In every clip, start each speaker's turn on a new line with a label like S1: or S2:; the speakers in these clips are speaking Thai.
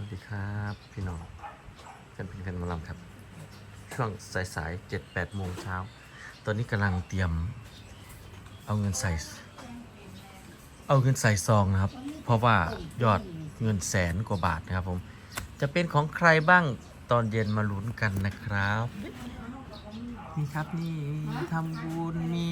S1: ดีครับพี่น้องกันเป็นกันมาลำครับช่วงสาย7-8 โมงเช้าตอนนี้กำลังเตรียมเอาเงินใส่ซองนะครับเพราะว่ายอดเงิน100,000 กว่าบาทนะครับผมจะเป็นของใครบ้างตอนเย็นมาลุ้นกันนะครับนี่ครับนี่ทำบุญมี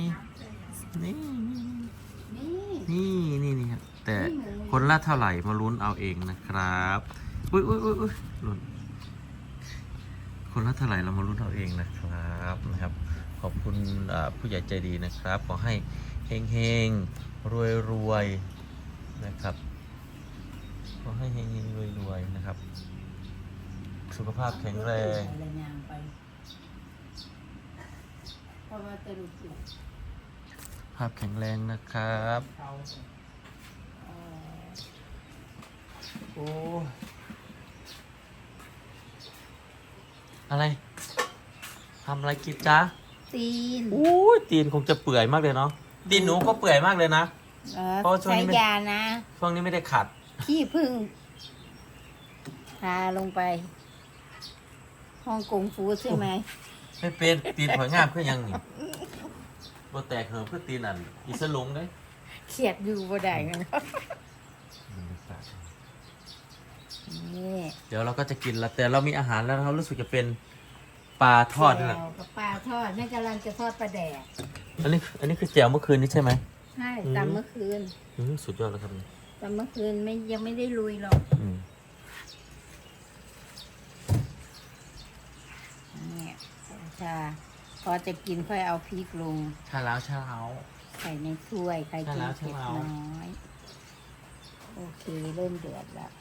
S1: นี่ครับแต่คนละเท่าไหร่มาลุ้นเอาเองนะครับอุ้ยลุ้นคนละเท่าไหร่เรามาลุ้นเอาเองนะครับขอบคุณผู้ใหญ่ใจดีนะครับขอให้เฮงรวยนะครับขอให้เฮงรวยนะครับสุขภาพแข็งแรงภาพแข็งแรงนะครับโอ้อะไรทำอะไรกินจ๊ะ
S2: ตีน
S1: อู้ตีนคงจะเปื่อยมากเลยเนาะตีนหนูก็เปื่อยมากเลยนะเพราะช่วงนี้
S2: ใช้ยานะ
S1: ช่วงนี้ไม่ได้ขัด
S2: ขี้พึ่งทาลงไปฮ่องกงฟูใช่ไหม
S1: ไม่เป็นตีนหอยงามเพื่อยังนี่บ่แตกเหิมเพื่อตีนอันอีสลุงได้
S2: เขียดอยู่บ่ได้กันนี่
S1: เดี๋ยวเราก็จะกินแล้วแต่เรามีอาหารแล้วเรารู้สึกจะเป็นปลาทอดนะ
S2: ปลาทอดนี่กำลังจะทอดปลาแดก
S1: อันนี้คือแจ่วเมื่อคืนนี้ใช่ไหม
S2: ใช่ตำเมื่อคืน
S1: สุดยอดแล้วครับ
S2: ตำเมื่อคืนยังไม่ได้ลุยหรอกนี่ชาพอจะกินค่อยเอาพริกลง
S1: ชาแล้ว
S2: ใส่ในถ้วยใครกินเผ็ดน้อยโอเคเริ่มเดือดแล้ว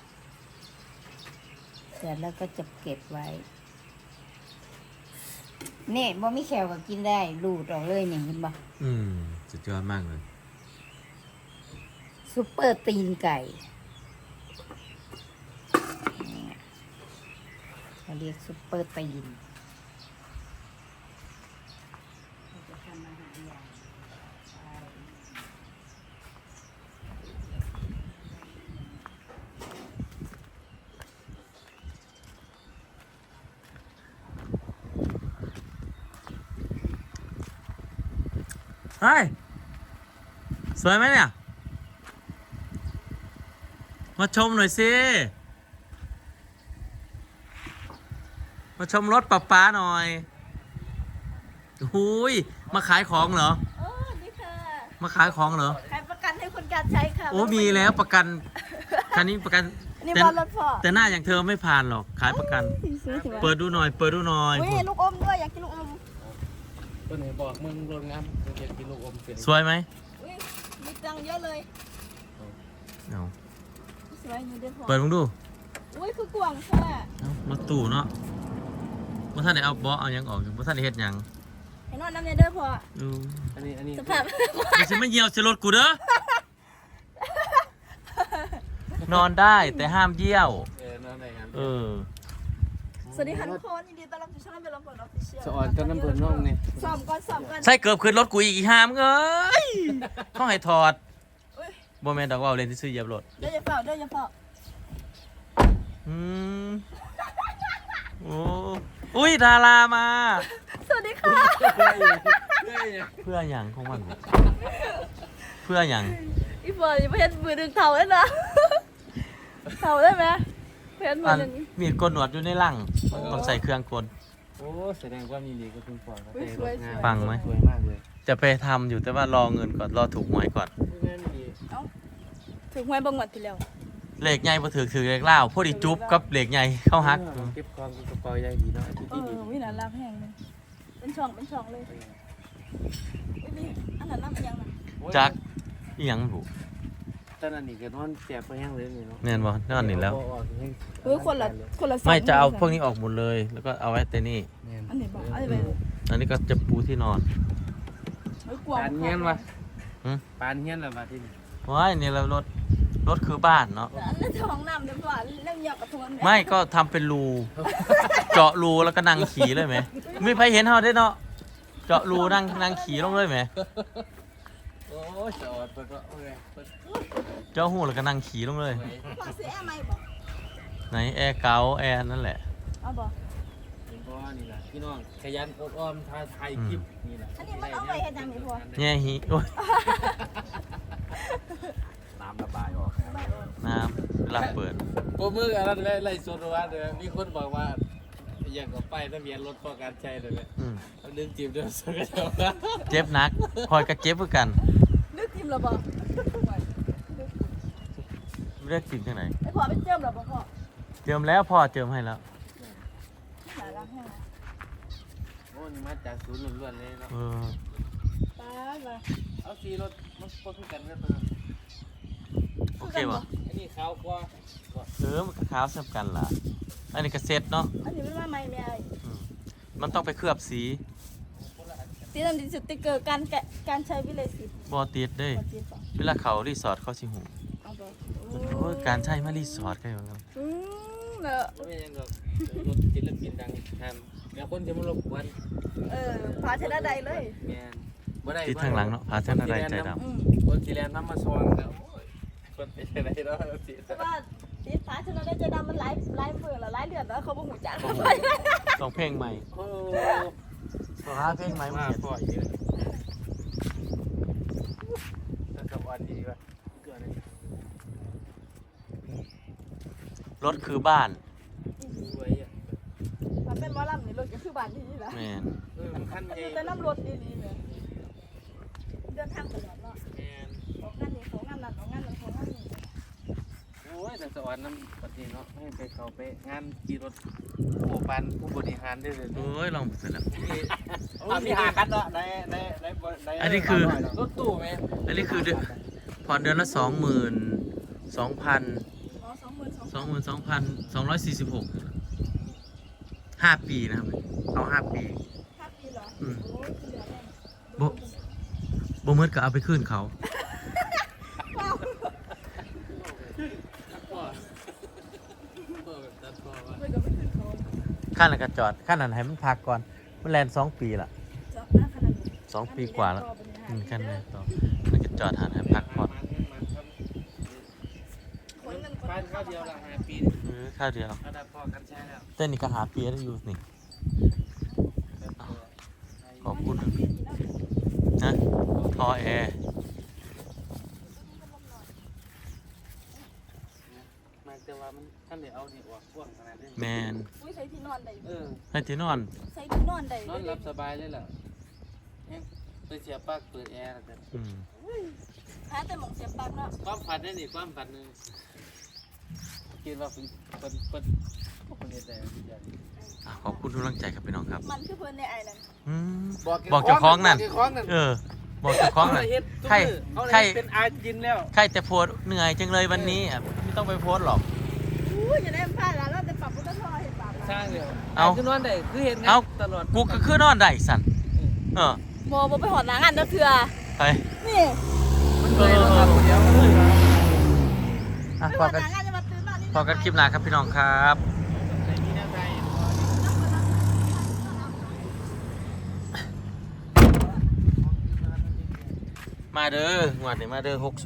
S2: ก็จะเก็บไว้นี่บ่มีแขวก็กินได้รูดออกเลยเนี่ยเห็นบ่
S1: สุดยอดมากเลย
S2: ซุปเปอร์ตีนไก่เขาเรียกซุปเปอร์ตีน
S1: เฮ้ยสวยไหมเนี่ยมาชมหน่อยสิมาชมรถป๊าหน่อยหุยมาขายของเหรอ
S3: นี่ค่ะ
S1: มาขายของเหรอ
S3: ขายประกันให้คนการใช้ค่ะ
S1: โอ้มีแล้วประกันคันนี้ประกันแต่หน้าอย่างเธอไม่ผ่านหรอกขายประกันเปิดดูหน่อย
S3: อุ้ยลูกอมด้วยอยากกินลูกอม
S4: ตัวไหนบอกมึงโรงงานมึงอยากกินลูกอมเป็น
S1: สวยไหม
S3: อุ้ยมีตังเยอะเลย
S1: เอา
S3: สวยอยู่เด้อพ่อ
S1: เปิดมึงดู
S3: อุ้ยคือกวางแค่
S1: รถตู้เนาะเมื่อท่านได้เอาเบาะเอายังออกอยู่เมื่อท่านได้เฮ็ดยัง
S3: ให้นอนน้ำเด้อพ่อ
S4: อันนี้
S3: สภาพ
S1: ไม่ใช่ไม่เหี่ยวจะรถกูเด้อนอนได้แต่ห้ามเยี่ยวน
S4: อนได้ครับ
S3: สวัสดีค่ะทุกคนยินดีต้อนรับสู่ช่องเป็นลำเปิดออฟฟิเชียล
S4: สอนกันน้ำเพลินน้องนี่
S3: ซ้อมก่อน
S1: ใช่เกือบขึ้นรถกูอีกห้ามเอ้ยต้องให้ถอดโมเมนต์ดอกว่าเล่นที่ซื้อเหยียบรถ
S3: เดี๋ยวอย่าเฝ้า
S1: โอ้อุ้ยดารามา
S3: สวัสดีค่ะ
S1: เพื่ออย่างของมันเพื่ออย่าง
S3: อีฟอยไม่เห็นมือดึงเท่าเลยนะเท่าได้ไหมเพื่อนมือดึง
S1: มีกลหนวดอยู่ในร่างต้องใส่เครื่องกล
S4: โอ้แสดงว่ามีดีก็คุณปอน
S1: ฟังไหม
S4: สวยมากเลย
S1: จะไปทำอยู่แต่ว่ารอเงินก่อนรอถูกหวยก่อน
S3: ถึงหวยบางวันที่แล้ว
S1: เหล็กใหญ่พอถือเหล็กเล่าพอดีจุ๊บกับเหล็กใหญ่เข้าฮัก
S4: เก็บความกระเป๋าใหญ่ดีเนาะ
S3: วินาลับแห้งเลยเป็นช่องเลยนี่อันนั้นน้ำยังนะ
S1: จักยังผู
S4: ตอนนั้นนี่ก็นอนแจกไปยังเลยนี่เนาะ
S1: แน่นบ่นอนนี่แล้ว
S3: คนละ
S1: ไม่จะเอาพวกนี้ออกหมดเลยแล้วก็เอาไว้แต่นี่
S3: อันไหนบอก
S1: อันนี้ก็จะปูที่นอน
S4: ปานเงี้ยมาปานเงี้ยอะไรมาที่นี่
S1: ว้ายนี่เรารถคือบ้านเนาะ
S3: อันนั้นท้องน้ำเดี๋ยวก่อนเรื่องหยอกกระทวน
S1: ไม่ก็ทำเป็นรูเจาะรูแล้วก็นั่งขี่เลยไหมไม่ใครเห็นเขาได้เนาะเจาะรูนั่งขี่ลงเลยไหม
S4: โอ้จอดไปก็โอเค
S1: เจ้าหูแล้วก็นั่งขี่ลงเลยไหนแอร์เก่าแอร์นั่นแหละ
S3: เอาบ่
S4: เพราะว่านี่แหละพี่น้องขยันอบอ้อมท้าทายคลิปนี่แหละ
S3: อันนี้มันเอาไว้เฮ็ดหยังนี่พ่อ
S1: แง่หิโอ้ย
S4: น้ำระบายออก
S3: ไม่ออก
S1: น้ำเวลาเปิด
S4: โอ้มืออันนั้นไล่สดว่าเดี๋ยวมีคนบอกว่าอย่างกับป้ายทะเบียนรถพอการใช้เลยเนี่ย
S1: อืม
S4: เอาเรื่องจีบเดือดสกัดเอา
S1: เจ็บหนักคอยกระเจ็บเพื่อกัน
S3: นึกทิมแล้วบ่
S1: เลือกกินที่ไหน
S3: ไอ้พ่อไปเจิมแล้วบ่พ่อ
S1: เจิมแล้วพ่อเจิมให้แล้ว
S3: หลายรักแห้งนะ
S4: โอ้นี่มาจากศูนย์ล้วนๆเลยเนาะ
S1: เออ
S3: ตาบ่
S4: เอาสีรถมันพอทุกกันก็ตัว
S1: โอเคป่ะ
S4: อันนี้ขาวกว่า
S1: มันก็ขาวสำกันล่ะอันนี้ก็เซ็ตเนาะ
S3: อันนี้มันว่าใหม่แม่ไอ้
S1: อืมมันต้องไปเคลือบสี
S3: ติดอันนี้สติ๊กเกอร์การใช้วิเลสิต
S1: บอติดเด้ย
S3: บ่ติดบ่
S1: เวลาเขารีสอร์ทเขาสิหู
S3: เอาบ่
S1: โอ้ยการใช้มารีสอร์ทก็อย่างนั้น
S3: แล้ว
S4: ไม่เป็นยังหรอกรถศิลปินดังทำแล้วคนจะมารบกวน
S3: พาชนะใดเลย
S4: แมนบ่ได้
S1: ติดทางหลังเนาะพาเส้นอะไรใจด
S3: อืม
S4: คนสีแลนน้ำมาซองแล้วคนเป็นอะไรเนาะสี
S3: เพราะว่าติดพาชนะได้ใจดำมันหลายเบื่อแล้วหลายเดือนแล้วเขาบ่หูจัก
S1: ำต้องเพลงใหม่
S4: โอ้
S1: ต้องหาเพลงใหม่มา
S4: มา
S1: เขียน
S4: พ่ออีกเลยน่าจะวันดีว่ะเกิดอะไร
S1: รถคือบ้าน
S4: สวยอ่ะ
S3: มันเป็นหมอลำนี่รถก็คือบ้านที่นี่แหละ
S1: แม่น
S4: มันขั้นใหญ่
S3: แต่น้ำรถดีๆเนี่ยเดินทางตลอดเนาะ
S4: แมน
S3: ของงานนี้ของงานนั้นของงานนั้นของงานนี้
S4: โอ้ยแต่สวรรค์น้ำประเทศเนาะให้ไปเขาไปงานขี่รถผู้ปันผู้บริหารได้เลย
S1: โอ้ยลองเสร็จแล้ว
S4: มีหาคันเนาะใน
S1: อันนี้คือ
S4: รถตู้ไหม
S1: อันนี้คือเดือนผ่อนเดือนละ22,200
S3: อ๋อ
S1: 22,246 5 ปีนะครับ เอา 5 ปี
S3: 5 ปีเหรอ
S1: อืม
S3: โอ้ยเหลือแน่
S1: บ่เมื่อก็เอาไปคืนเขา
S3: ไม่ก็ไม่ขึ้นเขา
S1: ขั้นนั้นก็จอดขั้นนั้นให้มันพักก่อน มันแลน2 ปีละ
S3: จอดหน้าขนาดนี้
S1: 2 ปีกว่าแล้วขั้นนี้ต่อมันก็จอดหาให้พักผ่อน
S3: คนเงินคน
S4: บ้านข้าวเดียวละ5 ปี
S1: ข้าวเดียว
S4: ระดับพอกันใช้แล้ว
S1: แต่นี่ก็หาปีได้อยู่นี่ ขอบคุณนะทอแอร์
S4: มันแต่ว่ามันท่านเดี๋ยวเอาดีกว่าพ่วงขนาดนี้
S1: แมน
S3: อุ้ยใส่ที่นอนได้
S1: ให้ที่นอน
S3: ใส่ที่นอนได้
S4: นอนหลับสบายเลยล่ะไปเสียปลั๊กเปิดแอร์แล้วกัน
S1: อืม
S3: หาแต่หมองเสียบปลั๊กเนาะ
S4: ความฝันนี่นี่ความฝันนึงคิดว่าเป็นพวกคนเดียวแต่อย่าง
S1: ขอบคุณทุกกำลังใจครับพี่น้องครับ
S3: มันคือเพิ่นในไอแลนด์
S1: อืมบอกเจ้าของนั่น เออ บอกเจ้าของนั่น ใคร
S4: ใค
S1: ใค
S4: ร
S1: ร
S4: เป็นอาจินแล้ว
S1: ใครแต่โพสต์เหนื่อยจังเลยวันนี้อ่ะไม่ต้องไปโพสต์หรอก
S3: อู้ยอย่าได้พลาดแล้วเราจะปรับพุทธทอเห็นปาก
S4: สร้างเดียว
S1: เอา
S4: คือนอนได้คือเห็น
S1: เอา
S4: ตลอด
S1: กูก็คือนอนได้สันเออ
S3: โมไปหอดหนังอันเด้อเถื่อ
S1: ไป
S3: นี่
S4: มันเคยนอนคนเดียว
S1: อ่ะ
S3: ไป
S1: พ
S3: ห
S1: อ
S3: อด
S1: กัน
S3: หนังอันจะมาตื่นนอนนี่
S1: พอกันคลิปหน้าครับพี่น้องครับ
S4: ในนี้นะใจ
S1: มาเด้องวดนี้มาเด้อ60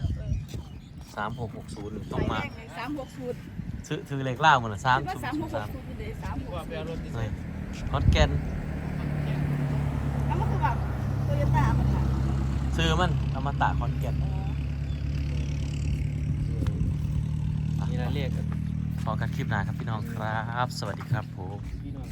S1: 3660ต้องมา
S3: 360
S1: ซื้อเลขล่าหมดละ
S3: คิดว่า
S1: 3
S3: 360อยู่เลย
S4: ว่าไปเอารถที่
S1: 3
S4: ไหน
S1: คอนแก่น
S3: แล้วมันคือแบบโตโยต้ามันค่ะ
S1: ซื้อมันอมตะคอนแก่น
S4: มีรายเรียกกัน
S1: พอกันคลิปหน้าครับพี่น้องครับ สวัสดีครับผม